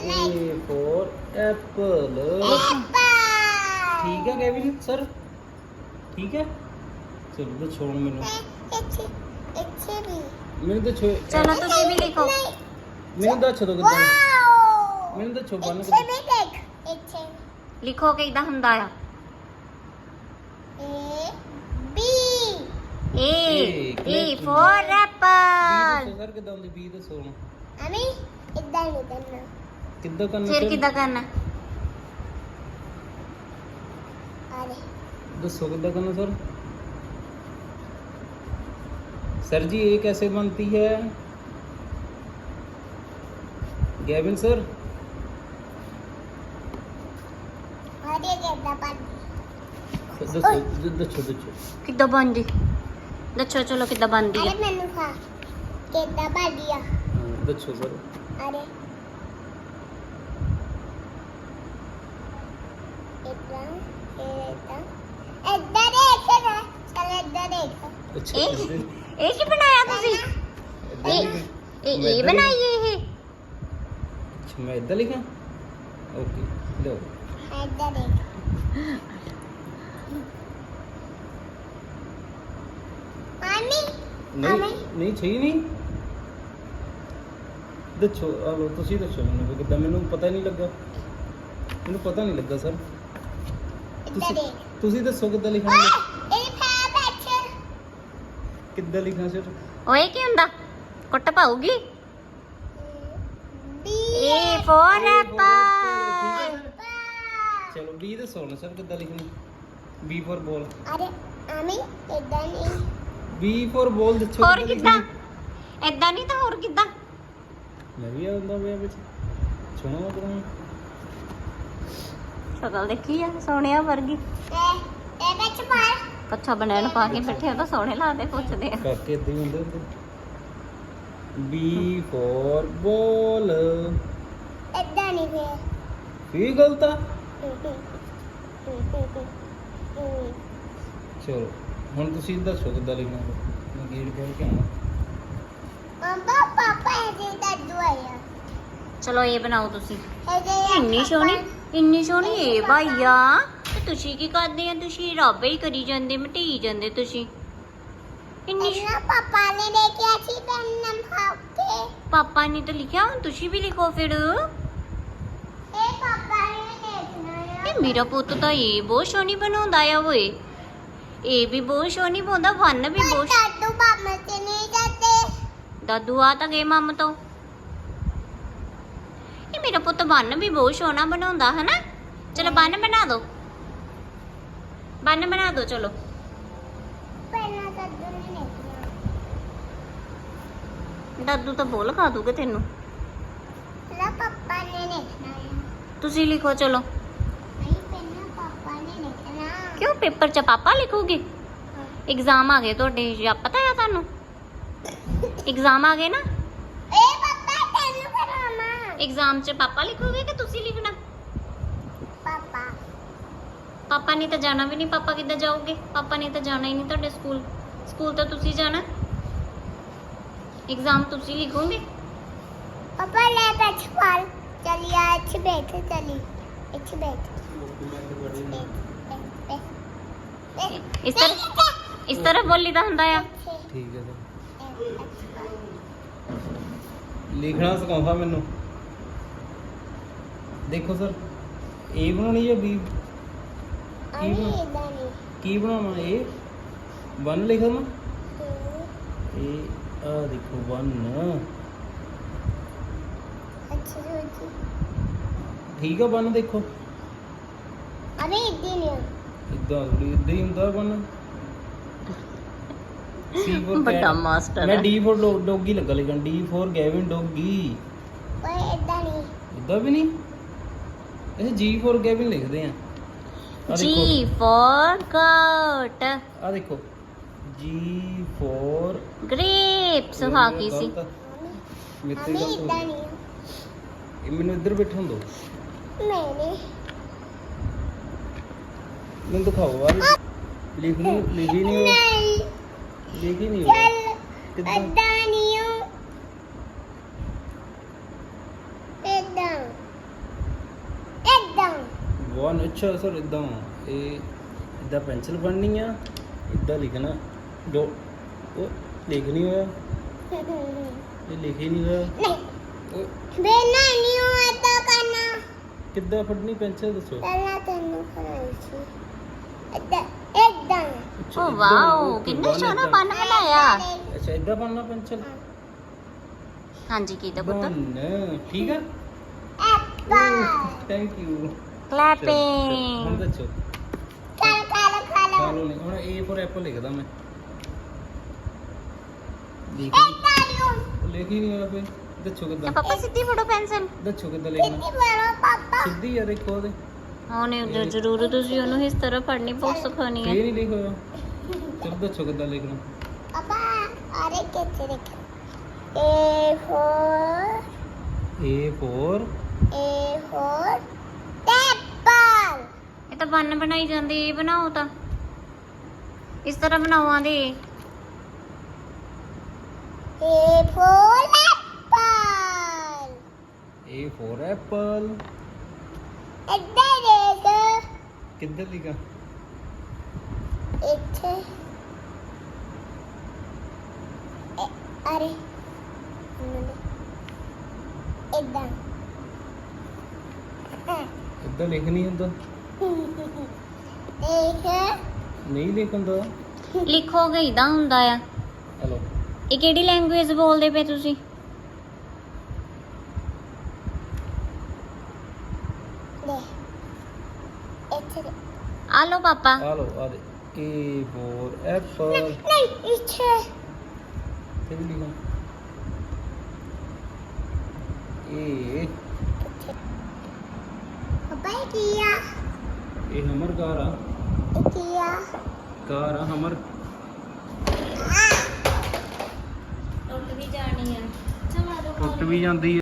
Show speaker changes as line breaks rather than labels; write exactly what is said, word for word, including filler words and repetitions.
A for apple. ठीक है Kevin sir ठीक है चलो तो छोड़ मैंने मैंने तो छो
चलो तुसी भी लिखो
मैंने तो छो तो कितना मैंने तो छो बन के
लिखो किदा हुंदा आ A A for apple
sir किदा हुंदी बी तो सोन
अमी इधर नहीं करना
किदा करना
फिर किदा करना
अरे
दसो किदा करना सर सर जी ये कैसे बनती है गैविन सर
अरे कितना पानी
दसो दसो दसो
किदा बनदी दच्छो चलो किदा बनदी
अरे
है
मैंने खा कितना पानी आ
दसो सर
अरे इतना इतना इधर देख ना चल इधर देख
अच्छा
ए
इधर-
ए की बनाया तुसी
इधर
ए
लिखा?
ए
मैं
ए
इधर
बनाई है ये
अच्छा मैं इधर लिखा ओके लो
इधर देख पानी
नहीं नहीं चाहिए नहीं दसो आ लो ਤੁਸੀਂ ਦੱਸੋ ਮੈਨੂੰ ਕਿਦਾਂ ਮੈਨੂੰ ਪਤਾ ਨਹੀਂ ਲੱਗਾ ਮੈਨੂੰ ਪਤਾ ਨਹੀਂ ਲੱਗਾ ਸਰ
इधर देख
ਤੁਸੀਂ ਦੱਸੋ ਕਿੱਦਾਂ ਲਿਖਣਾ
ए फैब अच्छा
ਕਿੱਦਾਂ ਲਿਖਣਾ ਸਰ
ਓਏ ਕੀ ਹੁੰਦਾ ਕੁੱਟ ਪਾਉਗੀ
बी
A for apple
ਚਲੋ ਬੀ ਦੱਸੋ ਨਾ ਸਰ ਕਿੱਦਾਂ ਲਿਖਣੀ ਬੀ ਫॉर ਬੋਲ
अरे अमी इधर नहीं
ਬੀ ਫॉर ਬੋਲ ਦੱਸੋ
ਹੋਰ
ਕਿੱਦਾਂ
ਕਿੱਦਾਂ
ਲਿਖਣੀ?
ਐਦਾਂ ਨਹੀਂ ਤਾਂ ਹੋਰ ਕਿੱਦਾਂ
ਮੈਂ ਵੀ ਆਉਂਦਾ ਪਿਆ ਵਿੱਚ ਸੁਣੋ ਮੈਂ ਕਰਾਂ
ਸ਼ਕਲ ਦੇਖੀ ਆ ਸੋਹਣਿਆ ਵਰਗੀ
ए ए बच मार
ਕੱਛਾ ਬਨੈਣ ਪਾ ਕੇ ਬੈਠੇ ਆ ਤਾਂ ਸੋਹਣੇ ਲੱਗਦੇ ਪੁੱਛਦੇ ਆ
ਕਾਕੇ ਇਦਾਂ ਹੀ ਹੁੰਦੇ ਹੁੰਦੇ ਬੀ ਫॉर ਬੋਲ
इधर नहीं फिर
ਕੀ ਗਲਤ ਆ ਚਲੋ ਹੁਣ ਤੁਸੀਂ ਦੱਸੋ ਕਿੱਦਾਂ ਲਿਖਣਾ ਮੈਂ ਗੇੜ ਖੋਲ ਕੇ ਆਉਣਾ
पापा पापा ऐसे दादू आया
ਚਲੋ ਇਹ ਬਣਾਓ ਤੁਸੀਂ
ऐसे
ਇੰਨੀ ਸੋਹਣੀ ਇੰਨੀ ਸੋਹਣੀ ਇਹ ਭਾਈਆ ਤੇ ਤੁਸੀਂ ਕੀ ਕਰਦੇ ਆ ਤੁਸੀਂ ਰਾਬੇ ਹੀ ਕਰੀ ਜਾਂਦੇ ਮਟਈ ਜਾਂਦੇ ਤੁਸੀਂ ਇੰਨੀ ਸੋ-
इन्ना पापा ने लेके अच्छी पेन खाते
ਪਾਪਾ ਨੇ ਤਾਂ ਲਿਖਿਆ ਹੁਣ ਤੁਸੀਂ ਵੀ ਲਿਖੋ ਫਿਰ
ए पापा ने देखना है
ਇਹ ਮੇਰਾ ਪੁੱਤ ਤਾਂ ਇਹ ਬਹੁਤ ਸੋਹਣੀ ਬਣਾਉਂਦਾ ਆ ਓਏ ਇਹ ਵੀ ਬਹੁਤ ਸੋਹਣੀ ਬਣਾਉਂਦਾ ਵਨ ਵੀ ਬਹੁਤ
दादू पापा से नहीं जाते
ਦਾਦੂ ਆ ਤਾਂ ਗਏ ਮੰਮ ਤੋਂ ਇਹ ਮੇਰਾ ਪੁੱਤ ਬੰਨ ਵੀ ਬਹੁਤ ਸੋਹਣਾ ਬਣਾਉਂਦਾ ਹੈ ਨਾ ਚਲੋ ਬੰਨ ਬਣਾ ਦਿਓ ਬੰਨ ਬਣਾ ਦਿਓ ਚਲੋ
पहला दादू ने देखना
ਦਾਦੂ ਤਾਂ ਬੋਲ ਖਾ ਦੂਗੇ ਤੈਨੂੰ
पहला पापा ने देखना है
ਤੁਸੀਂ ਲਿਖੋ ਚਲੋ
नहीं पहला पापा ने देखना
ਕਿਉਂ ਪੇਪਰ 'ਚ ਪਾਪਾ ਲਿਖੋਗੇ ਐਗਜ਼ਾਮ ਆ ਗਏ ਤੁਹਾਡੇ ਜਾਂ ਪਤਾ ਆ ਤੁਹਾਨੂੰ ਐਗਜ਼ਾਮ ਆ ਗਏ ਨਾ
ए पापा तेनू करामा
ਐਗਜ਼ਾਮ 'ਚ ਪਾਪਾ ਲਿਖੋਗੇ ਕਿ ਤੁਸੀਂ ਲਿਖਣਾ
पापा
ਪਾਪਾ ਨੇ ਤਾਂ ਜਾਣਾ ਵੀ ਨਹੀਂ ਪਾਪਾ ਕਿੱਦਾਂ ਜਾਓਗੇ ਪਾਪਾ ਨੇ ਤਾਂ ਜਾਣਾ ਹੀ ਨਹੀਂ ਤੁਹਾਡੇ ਸਕੂਲ ਸਕੂਲ ਤਾਂ ਤੁਸੀਂ ਜਾਣਾ ਐਗਜ਼ਾਮ ਤੁਸੀਂ ਲਿਖੋਗੇ
पापा ले बैठ पाल चलिए अच्छे बैठे चली अच्छे बैठ
ਇਸ ਤਰ੍ਹਾਂ ਇਸ ਤਰ੍ਹਾਂ ਬੋਲੀ ਦਾ ਹੁੰਦਾ ਆ
ਠੀਕ ਹੈ ਸਰ ਲਿਖਣਾ ਸਿਖਾਉਂਦਾ ਮੈਨੂੰ ਦੇਖੋ ਸਰ ਏ ਬਣਾਉਣੀ ਜਾਂ ਬੀ
अभी इधर नहीं
ਕੀ ਬਣਾਵਾਂ ਏ ਵਨ ਲਿਖਾਂ ਮੈਂ ਇਹ ਆ ਦੇਖੋ ਵਨ
अच्छी सोची
ਠੀਕ ਆ ਵਨ ਦੇਖੋ
अभी इधर नहीं
ਇਦਾਂ ਥੋੜੀ ਇਦਾਂ ਹੀ ਹੁੰਦਾ ਵਨ ਸੀ ਫੋਰ
ਵੱਡਾ ਮਾਸਟਰ
ਮੈਂ
ਹੈ
ਡੀ ਫੋਰ ਡੌਗੀ ਲੱਗਾ ਲਿਖਣ ਡੀ ਫੋਰ ਗੈਵਿਨ ਡੌਗੀ
कोई इधर नहीं
ਇਦਾਂ ਵੀ ਨਹੀਂ ਇਹ ਜੀ ਫੋਰ ਗੈਵਿਨ ਲਿਖਦੇ ਆ ਆ
ਜੀ
ਦੇਖੋ
ਫॉर ਗੋਟ
ਆ ਦੇਖੋ ਜੀ ਫੋਰ
ਗ੍ਰੇਪਸ ਹਾਂ ਕੀ ਸੀ
ਮੇਰੇ ਤੇ
अभी
ਗਲਤ ਹੋ
इधर
ਗਈ।
नहीं
ਇਹ ਮੈਨੂੰ ਇੱਧਰ ਬੈਠਣ ਦਿਓ
मैंने
ਮੈਨੂੰ ਦਿਖਾਓ ਆ ਲਿਖਣੀ ਲਿਖੀ ਨਹੀਂ ਹੋ-
नहीं
ਲਿਖੀ ਨਹੀਂ ਹੋ
चल
ਕਿੱਦਾਂ
इधर नहीं हूँ इधर
ਵਨ ਅੱਛਾ ਸਰ ਇਦਾਂ ਇਹ ਇਦਾਂ ਪੈਨਸਲ ਫੜਨੀ ਆ ਇਦਾਂ ਲਿਖਣਾ ਜੋ ਉਹ ਲਿਖ ਨਹੀਂ ਹੋਇਆ ਇਹ ਲਿਖ ਹੀ ਨਹੀਂ ਹੋਇਆ
ਨਹੀਂ
ਉਹ
ਬੇਨਾ ਨਹੀਂ ਹੋਇਆ ਤਾਂ ਕਰਨਾ
ਕਿੱਦਾਂ ਫੜਨੀ ਪੈਨਸਲ ਦੱਸੋ
ਪਹਿਲਾਂ ਤੈਨੂੰ ਕਰਾਈ ਸੀ ਇੱਦਾਂ ਇੱਦਾਂ
ਅੱਛਾ,
ਓ
ਏਦਾਂ,
ਵਾਓ
ਓਕੇ,
ਕਿੰਨਾ
one
ਸੋਹਣਾ
ਏਦਾਂ।
ਬੰਨ ਬਣਾਇਆ
ਅੱਛਾ ਇਦਾਂ ਬਣਨਾ ਪੈਨਸਲ
ਹਾਂਜੀ ਕੀਤਾ ਪੁੱਤ
ਬਨ ਠੀਕ ਆ
ਐਪਲ
ਥੈਂਕ ਯੂ ਹੁਣ
ਕਲੈਪਿੰਗ
ਦੱਸੋ
ਕਾਲਾ ਕਾਲਾ
ਖਾ
ਕਾਲਾ
ਲਓ ਨਹੀਂ ਹੁਣ ਏ ਫॉर ਐਪਲ ਲਿਖਦਾ ਮੈਂ ਲਿਖ
ਇੱਦਾਂ ਨੂੰ
ਲਿਖ ਹੀ ਨਹੀਂ ਹੋਇਆ ਫੇ ਦੱਸੋ
ਤੇ
ਕਿੱਦਾਂ
ਪਾਪਾ ਸਿੱਧੀ ਫੜੋ ਪੈਨਸਲ
ਦੱਸੋ ਕਿੱਦਾਂ ਲਿਖਣਾ
ਕਿੱਥੇ ਬੜਾ ਪਾਪਾ
ਸਿੱਧੀ ਯਾਰ ਇੱਕ ਉਹਦੇ
ਉਹਨੇ ਉਧਰ ਜ਼ਰੂਰ ਤੁਸੀਂ ਉਹਨੂੰ ਇਸ ਤਰ੍ਹਾਂ ਫੜਨੀ ਬਹੁਤ ਸਿਖਾਉਣੀ
ਫੇਰ
ਹੈ
ਨਹੀਂ ਲਿਖ ਹੋਇਆ ਚਲੋ ਦੱਸੋ ਕਿੱਦਾਂ ਲਿਖਣਾ
ਪਾਪਾ ਅਰੇ ਕਿੱਥੇ ਦੇਖ A for
A for
A for apple
ਇਹ ਤਾਂ ਬੰਨ ਬਣਾਈ ਜਾਂਦੀ ਇਹ ਬਣਾਓ ਤਾਂ ਇਸ ਤਰ੍ਹਾਂ ਬਣਾਓ ਦੇ
A for apple
A for apple
ਇੱਧਰ ਦੇਖ
ਕਿੱਧਰ ਲਿਖਾ
ਇੱਥੇ ਇਹ- ਅਰੇ ਇੱਦਾਂ
ਇੱਦਾਂ ਲਿਖ ਨਹੀਂ ਹੁੰਦਾ
ਦੇਖ
ਨਹੀਂ ਲਿਖ ਹੁੰਦਾ
ਲਿਖੋਗੇ ਇਦਾਂ ਹੁੰਦਾ ਆ
ਹਲੋ
ਇਹ ਕਿਹੜੀ ਲੈਂਗੁਏਜ ਬੋਲਦੇ ਪਏ ਤੁਸੀਂ
ਲੈ ਇੱਥੇ ਦੇ-
ਆ ਲੋ ਪਾਪਾ
ਆ ਲੋ ਆ ਦੇ ਏ ਫॉर ਐਪਲ
ਨਹੀਂ ਇੱਥੇ
ਤੇ ਵੀ ਲਿਖਾ ਏ
ਪਾਪਾ ਇਹ ਕੀ ਆ
ਇਹ ਹਮਰ ਕਾਰ ਆ
ਇਹ ਕੀ ਆ
ਕਾਰ ਆ ਹਮਰ
ਟੁੱਟ ਵੀ ਜਾਣੀ ਆ ਚਲਾ ਦੋ
ਟੁੱਟ ਵੀ ਜਾਂਦੀ